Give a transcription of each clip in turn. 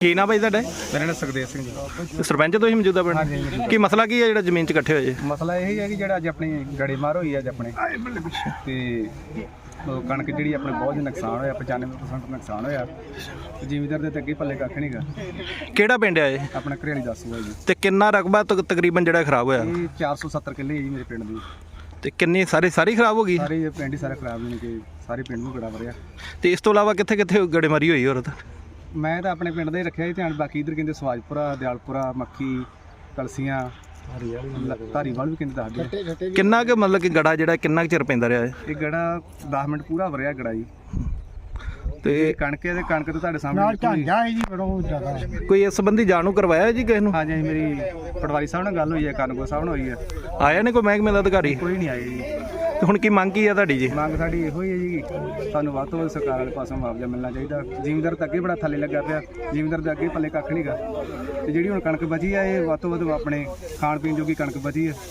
ਕੀ ਨਾ ਭਾਈ ਤੁਹਾਡਾ? मेरा नाम सुखदेव सिंह जी। ਸਰਪੰਚ ਤੁਸੀਂ ਮੌਜੂਦਾ ਪਿੰਡ? ਕੀ ਮਸਲਾ ਕੀ ਹੈ ਜਿਹੜਾ ਜ਼ਮੀਨ 'ਚ ਇਕੱਠੇ ਹੋਏ? ਮਸਲਾ ਇਹ ਹੈ ਕਿ ਜਿਹੜਾ ਅੱਜ ਆਪਣੀ ਗੜੇਮਾਰ ਹੋਈ ਅੱਜ ਆਪਣੇ ਤੇ ਉਹ ਕਣਕ ਜਿਹੜੀ ਆਪਣੇ ਬਹੁਤ ਨੁਕਸਾਨ ਹੋਇਆ, 95% ਨੁਕਸਾਨ ਹੋਇਆ। ਜ਼ਿਮੀਂਦਾਰ ਦੇ ਤੇ ਅੱਗੇ ਪੱਲੇ ਕੱਖ ਨਹੀਂਗਾ। ਕਿਹੜਾ ਪਿੰਡ ਹੈ ਇਹ? ਆਪਣਾ ਘਰੇਲੀ ਦੱਸੂਗਾ ਜੀ। ਤੇ ਕਿੰਨਾ ਰਕਬਾ ਤਕਰੀਬਨ ਜਿਹੜਾ ਖਰਾਬ ਹੋਇਆ? ਇਹ 470 ਕਿੱਲੇ ਹੈ ਜੀ ਮੇਰੇ ਪਿੰਡ ਦੀ। ਤੇ ਕਿੰਨੀ ਸਾਰੀ ਖਰਾਬ ਹੋ ਗਈ? ਸਾਰੇ ਪਿੰਡ ਹੀ ਸਾਰੇ ਖਰਾਬ ਨੇ ਕਿ ਸਾਰੇ ਪਿੰਡ ਨੂੰ ਗੜਾ ਵਰਿਆ। ਤੇ ਇਸ ਤੋਂ ਇਲਾਵਾ ਕਿੱਥੇ ਕਿੱਥੇ ਗੜੇਮਾਰੀ ਹੋਈ ਹੋਰ? ਮੈਂ ਤਾਂ ਆਪਣੇ ਪਿੰਡ ਦਾ ਹੀ ਰੱਖਿਆ ਜੀ ਧਿਆਨ, ਬਾਕੀ ਇਧਰ ਕਹਿੰਦੇ ਸਵਾਜਪੁਰਾ, ਦਿਆਲਪੁਰਾ, ਮੱਖੀ, ਕਲਸੀਆਂ, ਧਾਰੀਵਾਲ ਵੀ ਕਹਿੰਦੇ ਦੱਸਦੇ। ਕਿੰਨਾ ਕੁ ਮਤਲਬ ਕਿ ਗੜਾ ਜਿਹੜਾ ਕਿੰਨਾ ਕੁ ਚਿਰ ਪੈਂਦਾ ਰਿਹਾ ਹੈ? ਇਹ ਗੜਾ 10 ਮਿੰਟ ਪੂਰਾ ਵਰਿਆ ਗੜਾ ਜੀ। ਤੇ ਕਣਕ ਤਾਂ ਤੁਹਾਡੇ ਸਾਹਮਣੇ ਕੋਈ ਇਸ ਸੰਬੰਧੀ ਜਾਣੂ ਕਰਵਾਇਆ ਜੀ ਕਿਸੇ ਨੂੰ? ਹਾਂਜੀ ਮੇਰੀ ਪਟਵਾਰੀ ਸਾਹਿਬ ਨਾਲ ਗੱਲ ਹੋਈ ਹੈ, ਕਾਨੂੰਗੋ ਸਾਹਿਬ ਨਾਲ ਹੋਈ ਹੈ। ਆਇਆ ਨੇ ਕੋਈ ਮਹਿਕਮੇ ਦਾ ਅਧਿਕਾਰੀ? ਕੋਈ ਨਹੀਂ ਆਇਆ ਜੀ। ਤੇ ਹੁਣ ਕੀ ਮੰਗ ਕੀ ਆ ਤੁਹਾਡੀ ਜੀ? ਮੰਗ ਸਾਡੀ ਇਹੋ ਹੀ ਹੈ ਜੀ, ਸਾਨੂੰ ਵੱਧ ਤੋਂ ਵੱਧ ਸਰਕਾਰ ਵਾਲੇ ਪਾਸੋਂ ਮੁਆਵਜ਼ਾ ਮਿਲਣਾ ਚਾਹੀਦਾ। ਜ਼ਿਮੀਂਦਾਰ ਤਾਂ ਅੱਗੇ ਬੜਾ ਥੱਲੇ ਲੱਗਾ ਪਿਆ, ਜ਼ਿਮੀਂਦਾਰ ਦੇ ਅੱਗੇ ਪੱਲੇ ਕੱਖ ਨਹੀਂਗਾ। ਤੇ ਜਿਹੜੀ ਹੁਣ ਕਣਕ ਬਚੀ ਆ ਇਹ ਵੱਧ ਤੋਂ ਵੱਧ ਆਪਣੇ ਖਾਣ ਪੀਣ ਜੋਗੀ ਕਣਕ ਬਚੀ ਹੈ।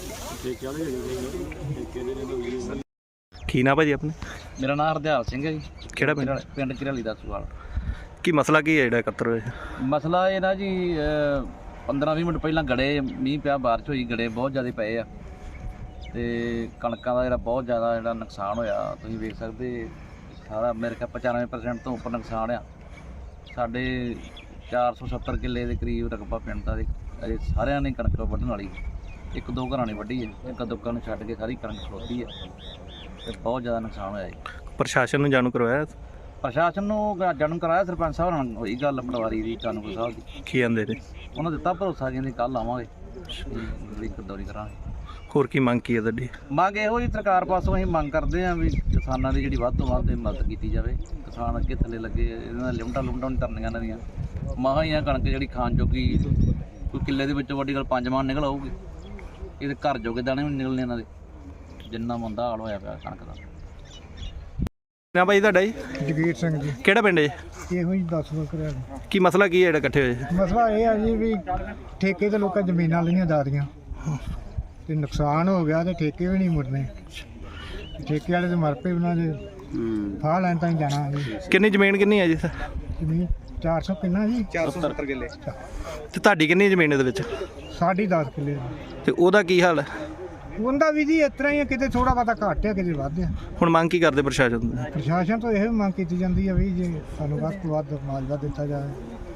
ਕੀ ਨਾ ਭਾਜੀ ਆਪਣੇ? ਮੇਰਾ ਨਾਮ ਹਰਦਿਆਲ ਸਿੰਘ ਹੈ ਜੀ। ਕਿਹੜਾ ਪਿੰਡ? ਪਿੰਡ ਘਰੇਲੀ ਦਾ ਸੁਵਾਲ। ਕੀ ਮਸਲਾ ਕੀ ਹੈ ਜਿਹੜਾ ਇਕੱਤਰ ਹੋਇਆ? ਮਸਲਾ ਇਹ ਨਾ ਜੀ 15-20 ਮਿੰਟ ਪਹਿਲਾਂ ਗੜੇ ਮੀਂਹ ਪਿਆ, ਬਾਰਿਸ਼ ਹੋਈ, ਗੜੇ ਬਹੁਤ ਜ਼ਿਆਦਾ ਪਏ ਆ ਤੇ ਕਣਕਾਂ ਦਾ ਜਿਹੜਾ ਬਹੁਤ ਜ਼ਿਆਦਾ ਜਿਹੜਾ ਨੁਕਸਾਨ ਹੋਇਆ ਤੁਸੀਂ ਵੇਖ ਸਕਦੇ। ਸਾਰਾ ਮੇਰੇ ਖਿਆਲ 95% ਤੋਂ ਉੱਪਰ ਨੁਕਸਾਨ ਆ। ਸਾਡੇ 470 ਕਿੱਲੇ ਦੇ ਕਰੀਬ ਰਕਬਾ ਪਿੰਡ ਦਾ ਅਜੇ ਸਾਰਿਆਂ ਨੇ ਕਣਕ ਵੱਢਣ ਵਾਲੀ। ਇੱਕ ਦੋ ਘਰਾਂ ਨੇ ਵੱਢੀ ਹੈ, ਇੱਕ ਦੁੱਕਾਂ ਨੂੰ ਛੱਡ ਕੇ ਸਾਰੀ ਕਣਕ ਖਲੋਤੀ ਹੈ ਤੇ ਬਹੁਤ ਜ਼ਿਆਦਾ ਨੁਕਸਾਨ ਹੋਇਆ ਜੀ। ਪ੍ਰਸ਼ਾਸਨ ਨੂੰ ਜਾਣੂ ਕਰਵਾਇਆ? ਪ੍ਰਸ਼ਾਸਨ ਨੂੰ ਜਾਣੂ ਕਰਾਇਆ, ਸਰਪੰਚ ਸਾਹਿਬ ਨਾਲ ਹੋਈ ਗੱਲ ਪਟਵਾਰੀ ਦੀ, ਕਾਨੂੰਗੋ ਸਾਹਿਬ ਦੀ। ਕੀ ਆਂਦੇ ਨੇ? ਉਹਨਾਂ ਦਿੱਤਾ ਭਰੋਸਾ, ਕਹਿੰਦੇ ਕੱਲ੍ਹ ਆਵਾਂਗੇ, ਦੌਰੀ ਕਰਾਂਗੇ। ਹੋਰ ਕੀ ਮੰਗ ਕੀ ਹੈ ਤੁਹਾਡੀ? ਮੰਗ ਇਹੋ ਜੀ ਸਰਕਾਰ ਪਾਸੋਂ ਅਸੀਂ ਮੰਗ ਕਰਦੇ ਹਾਂ ਵੀ ਕਿਸਾਨਾਂ ਦੀ ਜਿਹੜੀ ਵੱਧ ਤੋਂ ਵੱਧ ਮਦਦ ਕੀਤੀ ਜਾਵੇ। ਕਿਸਾਨ ਅੱਗੇ ਥੱਲੇ ਲੱਗੇ, ਇਹਨਾਂ ਦਾ ਲਿਮਟਾਂ ਨਹੀਂ ਕਰਨੀਆਂ ਇਹਨਾਂ ਦੀਆਂ। ਮਹਾਂ ਹੀ ਆ ਕਣਕ ਜਿਹੜੀ ਖਾਣ ਜੋਗੀ, ਕੋਈ ਕਿੱਲੇ ਦੇ ਵਿੱਚੋਂ ਵੱਡੀ ਗੱਲ 5 ਮਣ ਨਿਕਲ ਆਊਗੀ। ਇਹਦੇ ਘਰ ਜੋਗੇ ਦਾਣੇ ਵੀ ਨਿਕਲਣੇ ਇਹਨਾਂ ਦੇ, ਜਿੰਨਾ ਮੰਦਾ ਹਾਲ ਹੋਇਆ ਪਿਆ ਕਣਕ ਦਾ। ਨਾ ਭਾਈ ਤੁਹਾਡਾ ਜੀ? ਜਗੀਰ ਸਿੰਘ ਜੀ। ਕਿਹੜਾ ਪਿੰਡ ਹੈ? ਇਹੋ ਹੀ ਦੱਸ ਦੋ ਕਰਿਆ। ਕੀ ਮਸਲਾ ਕੀ ਹੈ ਜਿਹੜਾ ਇਕੱਠੇ ਹੋਏ? ਮਸਲਾ ਇਹ ਆ ਜੀ ਵੀ ਠੇਕੇ ਤੇ ਲੋਕਾਂ ਜ਼ਮੀਨਾਂ ਲਈਆਂ ਦਾਦੀਆਂ ਤੇ ਨੁਕਸਾਨ ਹੋ ਗਿਆ ਤੇ ਠੇਕੇ ਵੀ ਨਹੀਂ ਮੁੜਨੇ। ਠੇਕੇ ਵਾਲੇ ਤੇ ਮਰ ਪਏ, ਉਹਨਾਂ ਦੇ ਫਾਹ ਲੈਣ ਤਾਂ ਹੀ ਜਾਣਾ ਜੀ। ਕਿੰਨੀ ਜ਼ਮੀਨ ਕਿੰਨੀ ਹੈ ਜੀ? ਜ਼ਮੀਨ 400 ਕਿੰਨਾ ਜੀ? 470 ਕਿੱਲੇ। ਤੇ ਤੁਹਾਡੀ ਕਿੰਨੀ ਜ਼ਮੀਨ ਇਹਦੇ ਵਿੱਚ? ਸਾਡੀ 10 ਕਿੱਲੇ। ਤੇ ਉਹਦਾ ਕੀ ਹਾਲ ਹੈ? ਉਹਦਾ ਵੀ ਜੀ ਇਸ ਤਰ੍ਹਾਂ ਹੀ ਆ, ਕਿਤੇ ਥੋੜਾ ਬਹੁਤਾ ਘੱਟ ਆ, ਕਿਤੇ ਵੱਧ ਆ। ਹੁਣ ਮੰਗ ਕੀ ਕਰਦੇ ਪ੍ਰਸ਼ਾਸਨ ਤੋਂ? ਪ੍ਰਸ਼ਾਸਨ ਤੋਂ ਇਹ ਮੰਗ ਕੀਤੀ ਜਾਂਦੀ ਹੈ ਵੀ ਜੇ ਸਾਨੂੰ ਵੱਧ ਤੋਂ ਵੱਧ ਮੁਆਵਜ਼ਾ ਦਿੱਤਾ ਜਾਵੇ,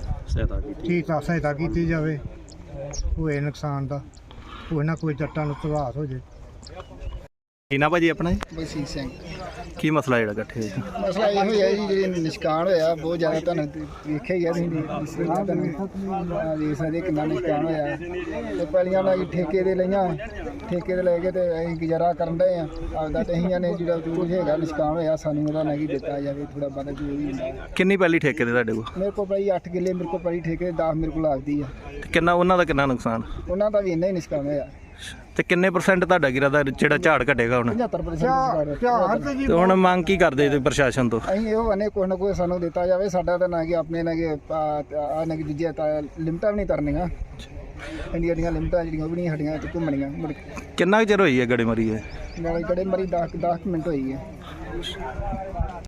ਸਹਾਇਤਾ ਕੀਤੀ ਜਾਵੇ ਹੋਏ ਨੁਕਸਾਨ ਦਾ, ਕੋਈ ਨਾ ਕੋਈ ਜੱਟਾਂ ਨੂੰ ਪ੍ਰਭਾਵ ਹੋ ਜੇ। ਕੀ ਨਾ ਭਾਜੀ ਆਪਣਾ ਜੀ? ਬਲਸੀਤ ਸਿੰਘ। ਕੀ ਮਸਲਾ ਜਿਹੜਾ ਇਕੱਠੇ ਹੋਏ? ਮਸਲਾ ਇਹੋ ਹੀ ਹੈ ਜੀ, ਜਿਹੜੇ ਨੁਕਸਾਨ ਹੋਇਆ ਬਹੁਤ ਜ਼ਿਆਦਾ, ਤੁਹਾਨੂੰ ਵੇਖਿਆ ਹੀ ਹੈ ਤੁਸੀਂ ਦੇਖ ਸਕਦੇ ਕਿੰਨਾ ਨੁਕਸਾਨ ਹੋਇਆ। ਤੇ ਪਹਿਲੀਆਂ ਨਾਲ ਠੇਕੇ ਦੇ ਲਈਆਂ, ਠੇਕੇ ਦੇ ਲੈ ਕੇ ਤੇ ਅਸੀਂ ਗੁਜ਼ਾਰਾ ਕਰਨ ਦੇ ਆ ਆਪਦਾ। ਤੇ ਅਸੀਂ ਨੇ ਜਿਹੜਾ ਜੋ ਹੈਗਾ ਨੁਕਸਾਨ ਹੋਇਆ ਸਾਨੂੰ ਉਹਦਾ ਨਹੀਂ ਦਿੱਤਾ ਜਾਵੇ, ਥੋੜਾ ਬਹੁਤਾ ਜੋ ਵੀ ਹੁੰਦਾ। ਕਿੰਨੀ ਪਹਿਲੀ ਠੇਕੇ ਦੇ ਤੁਹਾਡੇ ਕੋਲ? ਮੇਰੇ ਕੋਲ ਭਾਈ 8 ਕਿੱਲੇ ਮੇਰੇ ਕੋਲ ਪਹਿਲੀ ਠੇਕੇ 10 ਮੇਰੇ ਕੋਲ ਲੱਗਦੀ ਆ। ਤੇ ਕਿੰਨਾ ਉਹਨਾਂ ਦਾ ਕਿੰਨਾ ਨੁਕਸਾਨ? ਉਹਨਾਂ ਦਾ ਵੀ ਇੰਨਾ ਹੀ ਨੁਕਸਾਨ ਹੋਇਆ। ਤੇ ਕਿੰਨੇ % ਤੁਹਾਡਾ ਗਿਰਾ ਦਾ ਜਿਹੜਾ ਝਾੜ ਘਟੇਗਾ ਹੁਣ? 75%। ਤੇ ਹੁਣ ਮੰਗ ਕੀ ਕਰਦੇ ਤੁਸੀਂ ਪ੍ਰਸ਼ਾਸਨ ਤੋਂ? ਅਸੀਂ ਇਹੋ ਕਹਿੰਦੇ ਕੋਈ ਨਾ ਕੋਈ ਸਾਨੂੰ ਦਿੱਤਾ ਜਾਵੇ। ਸਾਡਾ ਤਾਂ ਨਾ ਕਿ ਆਪਣੇ ਨਾ ਕਿ ਆ ਨਾ ਕਿ ਦੂਜੇ ਲਿਮਟਾਂ ਵੀ ਨਹੀਂ ਤਰਨੀਆਂ, ਇੰਡੀਆ ਦੀਆਂ ਲਿਮਟਾਂ ਜਿਹੜੀਆਂ ਉਹ ਵੀ ਨਹੀਂ ਸਾਡੀਆਂ ਤੇ ਘੁੰਮਣੀਆਂ। ਕਿੰਨਾ ਕੁ ਚਿਰ ਹੋਈ ਹੈ ਗੜੇਮਾਰੀ? ਨਾਲੇ ਗੜੇ ਮਰੀ 10 ਮਿੰਟ ਹੋਈ ਹੈ।